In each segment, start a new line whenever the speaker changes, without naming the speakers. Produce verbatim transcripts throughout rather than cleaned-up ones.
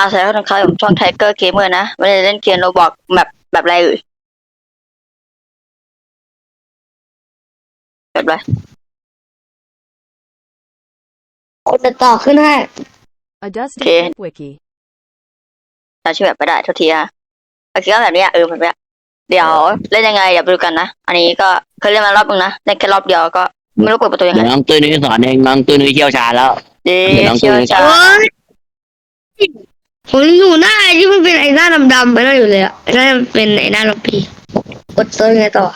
สวัสดีครับผมช่องไทเกอร์เกมเมอร์นะไม่ได้เล่นเกมโรบอกแบบแบบอะไรเอ่ยแบบอะไร
คนจะต่อขึ้นให้
A
โอ
Dusty
เค
Flip Wiki.
จำชื่อแบบไม่ได้ทุกทีอะโอเคก็แบบนี้อะเออแบบเนี้ยเดี๋ยวเล่นยังไงเดี๋ยวไปดูกันนะอันนี้ก็เคยเล่นมารอบนึงนะเล่นแค่รอบเดียวก็ไม่รู้เปิดประตูยังไง
เดี๋ยวน้องตุ้ยนุ้ยสอนเองน้องตุ้ยนุ้ยเชี่ยวชาญแล้ว
เดี๋
เดี๋ยว
ยว
น้อง
เชี่ยว
ตุ้ย
ชา
โอ้
ญ
ยผมอยู่หน้าไอ้ที่มันเป็นไอ้หน้าดำๆไปนั่นอยู่เลยอ่ะไอ้นั่นมันเป็นไอ้หน้าล็อบบี้กดเซิร์ชไงต่อ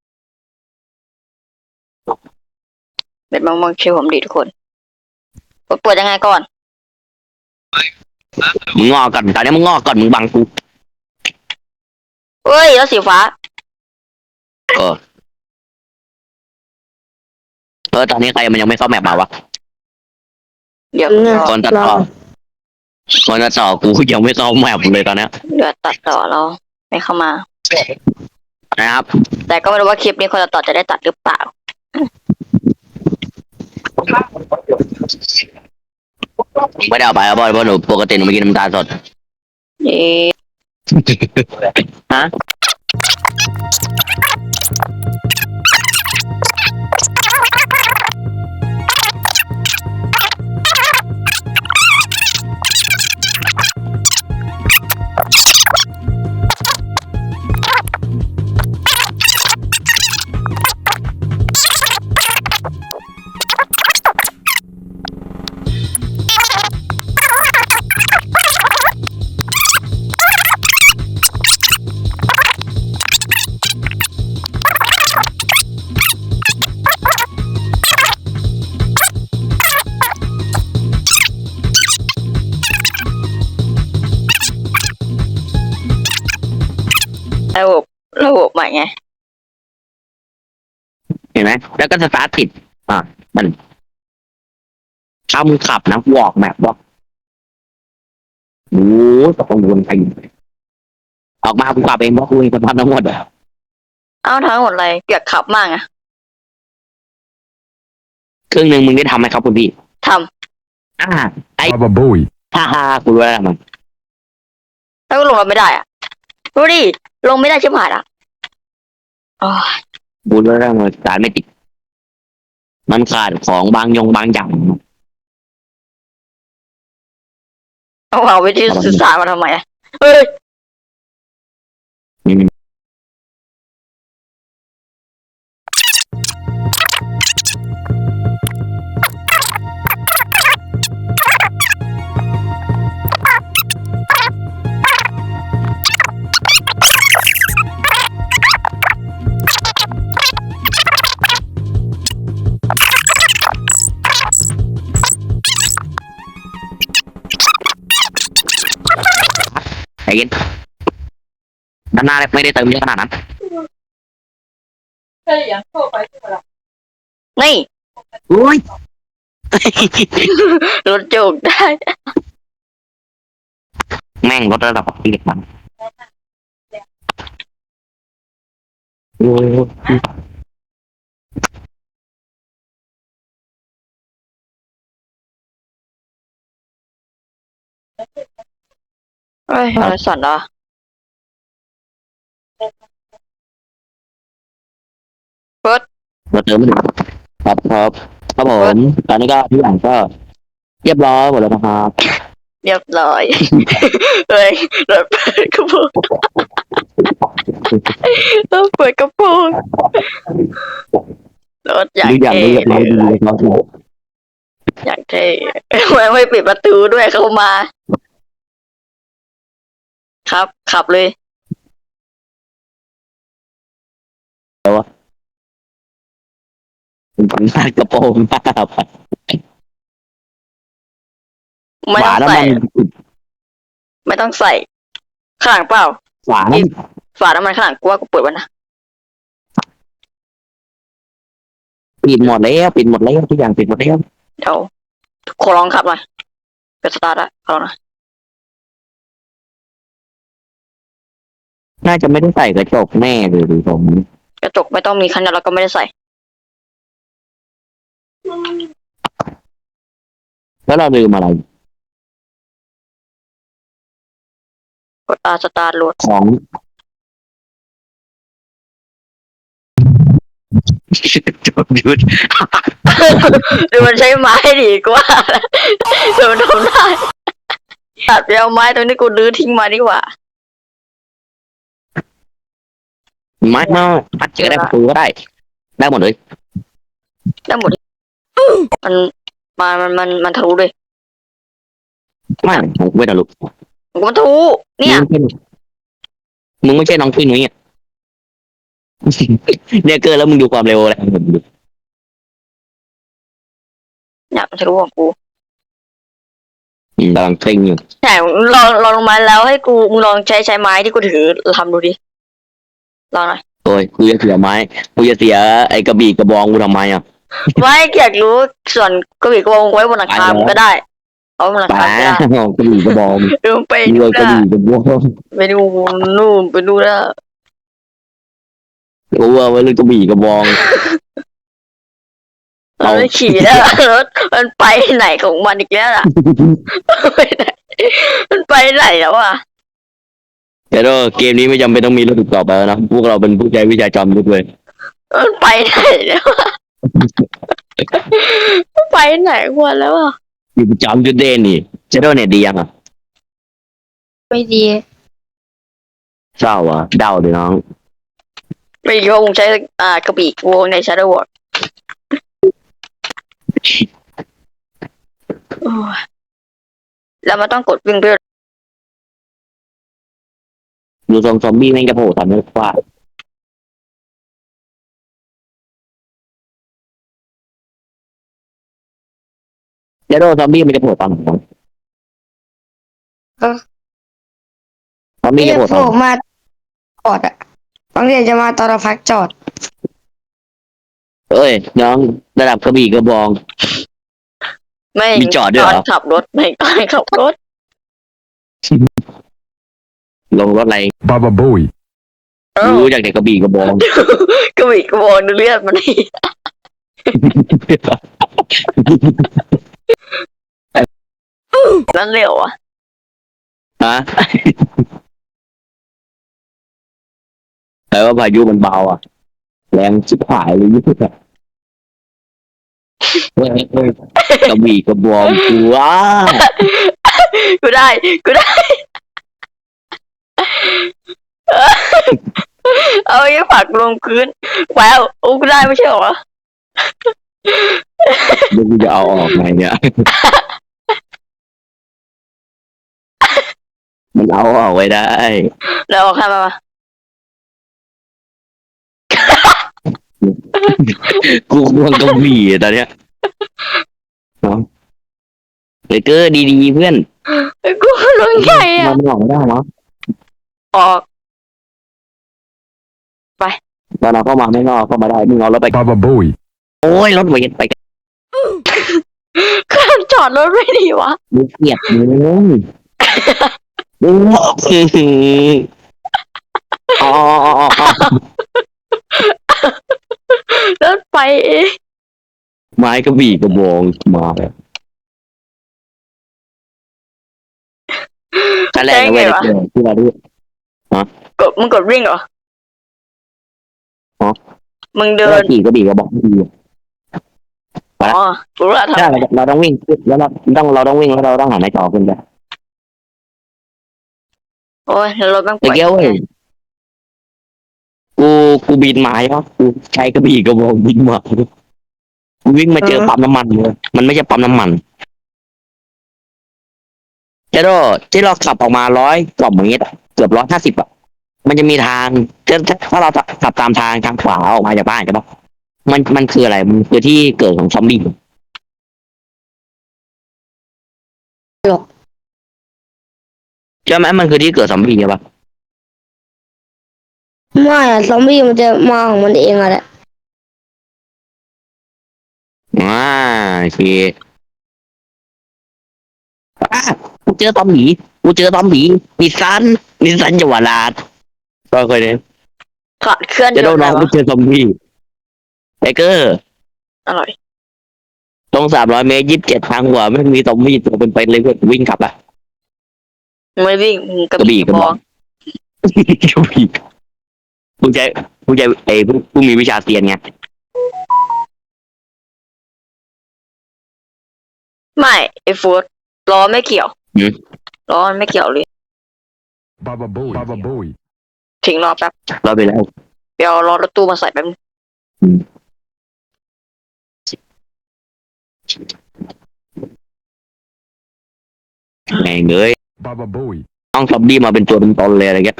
เป็นมองมองคิวผมดีทุกคนเปิดยังไงก่อน
มึงงอกก่อนตอนนี้มึงงอกก่อนมึงบังกู
เฮ้ยแล้วสีฟ้า
เออเออตอนนี้ใครมันยังไม่เข้าแมปมาวะ
เดี๋ยว
เนี่ย
คนตัดต่อคนตัดต่อกูยังไม่เข้าแมปเลยตอนเนี้ย
เดี๋ยวตัดต่อเราไม่เข้ามา
นะครับ
แต่ก็ไม่รู้ว่าคลิปนี้คนตัดต่อจะได้ตัดหรือเปล่า
ไม่ได้เอาไปเอาบอยเพราะหนูปกติหนูไม่กินน้ำตาลสด
เอ๊ะ
ฮะ
ระบบระบบใหม่ไง
เห็นไหมแล้วก็สตาร์ทติดอ่ะมันถ้ามึงขับนะวอกแมปบอกโอ้ยตกลงวนไปออกมากูขับเองเพราะกูเองสภาพทั้งหมดอะ
เอ้าทั้งหมดอะไรเกียกขับมากอะ
ครึ่งหนึ่งมึงได้ทำไหมครับคุณพี่
ท
อ่าไอ้
Baba Bowie.
ฮ่าฮ่ากูรู้แล้วมัน
ำแล้วก็ลงมาไม่ได้อะดูดิลงไม่ได้ชิบหายละอ๋อ
กูรู้แล้วมันสารไม่ติด มันขาดของบางยงบางอย่าง
เอาเอาวิธีสื่อสารมาทำไมอะเฮ้ย
อืม ไอ้เงี้ยด้านหน้าไม่ได้เติมเยอะขนาดนั้น
นี่
อุ้ย
รถจุกได้
แม่งลดระดับที่เด็กมันโอ้ย
เฮ้ยอะไรสั่นเหรอ
เราเติมไม่ถึงครับครับครับผมตอนนี้ก็ทุกอย่างก็เรียบร้อยหมดแล้วนะครับ
เรียบร้อยเฮ้ยรถเปิดกระโปรงรถเปิดกระโปรงรถอยาก
ทุกอย่าง
เท่
เรียบร้อยดีเลยครับ
อยากเท่ไม่ไม่ปิดประตูด้วยเข้ามา ครับ ขับเลย
ผมหน้ากระโปรงหน้าไป
ไม่
ฝา
ต้อง
น้ำ
ใส่
มัน
ไม่ต้องใส่ข้างหลังเปล่า
ฝาน้ำ
ฝาน้ำมันข้างหลังกูว่ากูเปิดไว้นะ
ปิดหมดแล้วปิดหมดแล้วทุกอย่างปิดหมดแล้ว
เดี๋ยวขอลองขับหน่อยเป็นสตาร์ทอะขอลองหน่อย
น่าจะไม่ได้ใส่กระจกแน่เลยดูผม
กระจกไม่ต้องมีคันเดียวแล้วก็ไม่ได้ใส่
แล้วเราลืมอะไร
กดอาสตาร์ทรถ
ของ จบยุทธ
ดูมันใช้ไม้ดีกว่าดูมันทำได้ตัดไปเอาไม้ตรงนี้กูรื้อทิ้งมาดีกว่า
ไม้มาพัดเจอได้ประตูก็ได้ ได้หมดเลย
ได้หมดมันมามันมันมันทะลุเลย
ไม่ของเวทลุก
มันทะลุเนี่ย
มึงไม่ใช่น้องตุ้ยนุ้ยอ่ะ เนี่ยเกินแล้วมึงดูความเร็วอะไรของผมดู
เนี่ยมันทะลุของกู
อืมกำลังเคร่งอยู่
ใช่ลองลองลงมาแล้วให้กูมึงลองใช้ใช้ไม้ที่กูถือทำดูดิลองหน่อย
โอ้ยกูจะเสียไม้กูจะเสียไอ้กระบี่กระบองกูทำไมอ่ะ
ไม่อยากรู้ส่วนกระบี่กระบองไว้บนหลังคามันก็ได้เอาบนหลัง
ป้า
คาก็ได้
กระบี่กระบอง
ดูไป
มี
ดู
เลยกระ
นะ
บี่กระบอง
ไปดูนู่นไปดูนะ
กูว่าไว้เลยกระบี่กระบอง
เราไม่ขี่แล้วรถมันไปไหนของมันอีกแล้วล่ะไปไหนมันไปไหนแล้วอ่ะ
เดี๋ยวเกมนี้ไม่จำเป็นต้องมีรถต่อไปแล้วนะพวกเราเป็นผู้ใช้วิชาจอมยุทธเลย
มันไปไหนแล้วอะมันไปไหนกว่าแล้วอ่ะ
อยู่ประจำยุทธเด่นนี่เจโดเนี่ยดียังอ่ะ
ไม่ดี
เศร้าอ่ะเดาเลยน้อง
ไม่คิดว่าคงใช้อ่ากระบี่วงใน Shadow World โอ้ยแล้วมันต้องกดวิ่งเพื่อ
ดูทรงซอมบี้แม่งจะโผล่ทำให้ฟาดเจโดซอมบี้มันจะโผล่ตอนไหนซอมบี้
เรี
จะ
ยก
โผล่
โผ
ตอนไหน
ล่มาจอดอะบางทีจะมาตอนเราพักจอด
เอ้ยน้องระดับกระบี่กระบอง
ไม่
มีจอดด้วยเหรอ
ตนขับรถไม่ตอนขับรถ
ลงรถอะไร
Baba Booey.
เออ
รู้จากเด็กกระบี่กระบอง
กระบี่กระบองดูเลือดมันนี่นั่นเร็วอ่ะ
ฮะแต่ว่าพายุมันเบาอ่ะแรงชิบหายเลยยุทธอะเฮ้ยเฮ้ยกระบี่กระบองกูว้า
กูได้กูได้เอาไอ้ฝักลงพื้นแววโอ้กูได้ไม่ใช่เหรอ
เดี๋ยวกูจะเอาออกไงเนี่ย มันเอาออกไว้ได้
แล้วเอาใครมามา
กูกลัวกระบี่อะตอนเนี้ยเนาะเด็กเกอร์ดีๆเพื่อน
กูลงใหญ่อะ
มันออกไม่ได้เนาะ
ออก
ตอนเราเข้ามาไม่งอกเข้ามาได้มึงเอารถไป
Baba Booey.
โอ้ยรถเวทไป
ก็จอดรถไม่ดีวะ
มึงเกลียดมึงมึงอ๋ออ๋ออ๋อ
รถไปเอง
ไม้กระบี่กระบองมาแบบขั้นแรกนะเว้ยเจอที่เราดู
กดมึงกดวิ่งเหรอ
อ๋อ
มึง
เดิ
เดิ
น
น
ขี่กระบี่กระบองดี
อ๋อกูรู้ละทำ
ใช่
ไม
เราต้องวิ่งแล้วเราต้องเราต้องวิ่งแล้วเราต้องหันในจอขึ้นไป
โอ้ยรถแม่ง
ไอ้
ป่วย
เกี้ยวเว้ยกูกูบินมาใช่ปะกูใช้กระบี่กระบองบินมากูวิ่งมาเจอปั๊มน้ำมันเลยมันไม่ใช่ปั๊มน้ำมันเจ้าโดที่เราขับออกมาร้อยกว่าเมตรอะเกือบร้อยห้าสิบอ่ะมันจะมีทางถ้าเราขับตามทางทางขวาออกมาจากบ้านใช่ปะมันมันคืออะไรมันคือที่เกิดของซอมบี้ใช่ไหมมันคือที่เกิดซอมบี้ใช่ปะ
ไม่อะซอมบี้มันจะมาของมันเองอะแหละ
อ่าโอเคอ่ะกูเจอตอมหมีกูเจอตอมหมีนิสสันนิสสันเยาวราชก็เคยเนี่ย
ขาดเคลื่อน
จะ
ย
โด
น
น
ต์
น้อง
อะไร
กู
วะ
เจอซอมบี้ไทเกอร์
อร่อย
ตรงสามร้อยเมตรยี่สิบเจ็ดทางหัวไม่มีซอมบี้ตัวเป็นไปเลยเว้ยวิ่งกลับอ่ะ
ไม่วิ่งกระ
กระบี่
บี่ก
ก
ระ
ระ
บบ อ
อง กระบี่มึงใจมึงใจไอ้พวกพวกมีวิชาเซียนไง
ไม่ไอ้ฟูดล้อไม่เกี่ยวล้อมันไม่เกี่ยวเลย
Baba Bowie. Baba Bowie.
ทิ้งล้อแป๊บ
เราไปแล้ว
เดี๋ยวล้อรถตู้มาใส่แป๊บนึง
แม่งเอ้ย
Baba Bowie.
ต้องซอมบี้มาเป็นตัวเป็นตนเลยอะไรเงี้ย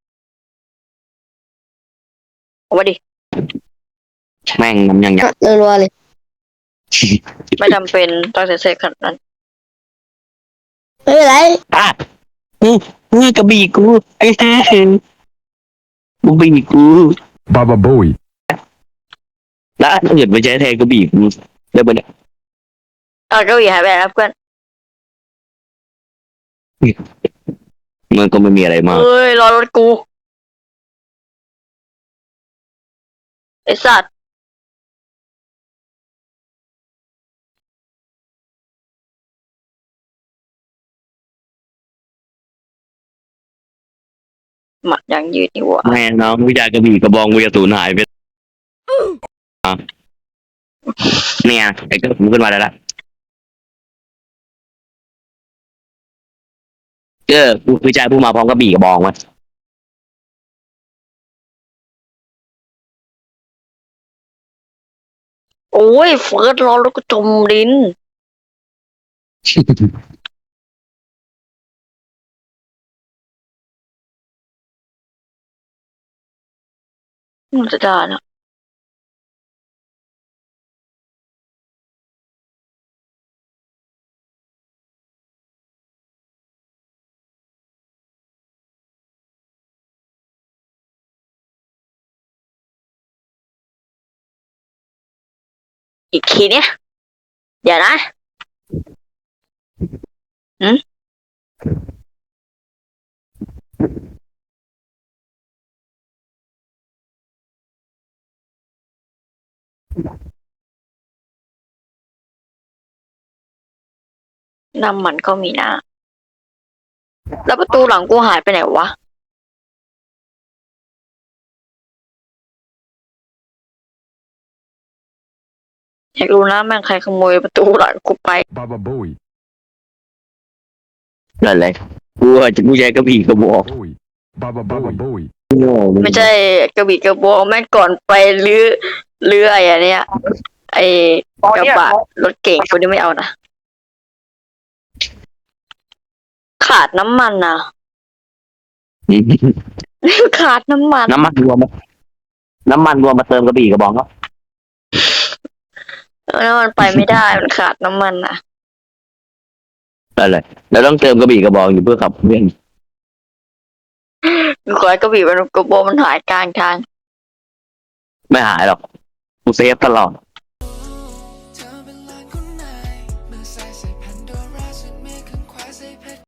เอาไว้ดิ
แม่งมันยังยัง
รัวๆเลย
ไม่จำเป็นต้องเซ็ตขนาดนั้น
ไม่เป็นไร
อ่ะอืออือกระบี่กูไอ้แท้กระบี่กู
Baba Bowie.
แล้วถ้าเกิดไปใช้แทนกระบี่กูได้ปะเนี่ย
เอาเก้าอี้หายไปแล้วเพื่อน
มันก็ไม่มีอะไรมาก
เอ้ยรอรถกูไอ้สัตว์หมัดยังยืดนี่หว่า
แม่น้องวิชากระบี่กระบองวิทยาสูญหายไปอ่ะเนี่ยไอ้ก็ผมขึ้นมาได้ละเออวิจัยผู้มาพร้อมกระบี่กระบองวะ
โอ้ยเฟิร์สรอรถกูจมดินมันจะได้นะอีกทีเนี้ยเดี๋ยวนะหืมน้ำมันก็มีนะแล้วประตูหลังกูหายไปไหนวะอยากรู้นะแม่งใครขโมยประตูหลังกูไป
Baba Bowie.
นั่นแหละกูอาจจะกูใช้กระบี่กระบอก
Bowie. Baba Baba Bowie.
โง่
ไม่ใช่กระบี่กระบองแม่งก่อนไปเรือเรือไอ้อันเนี้ยไอ้กระบะรถเก่งกูนี่ไม่เอานะขาดน้ำมันนะ ขาดน้ำมัน
น้ำมันรวมมาน้ำมันรวมมาเติมกระบี่กระบองก็
แล้วมันไปไม่ได้มันขาดน้ำมันนะ
นั่นแหละแล้วต้องเติมกระบี่กระบองอยู่เพื่อขับเคลื่อน
กูขอให้กระบี่มันกระบองมันหายกลางทาง
ไม่หายหรอกกูเซฟตลอด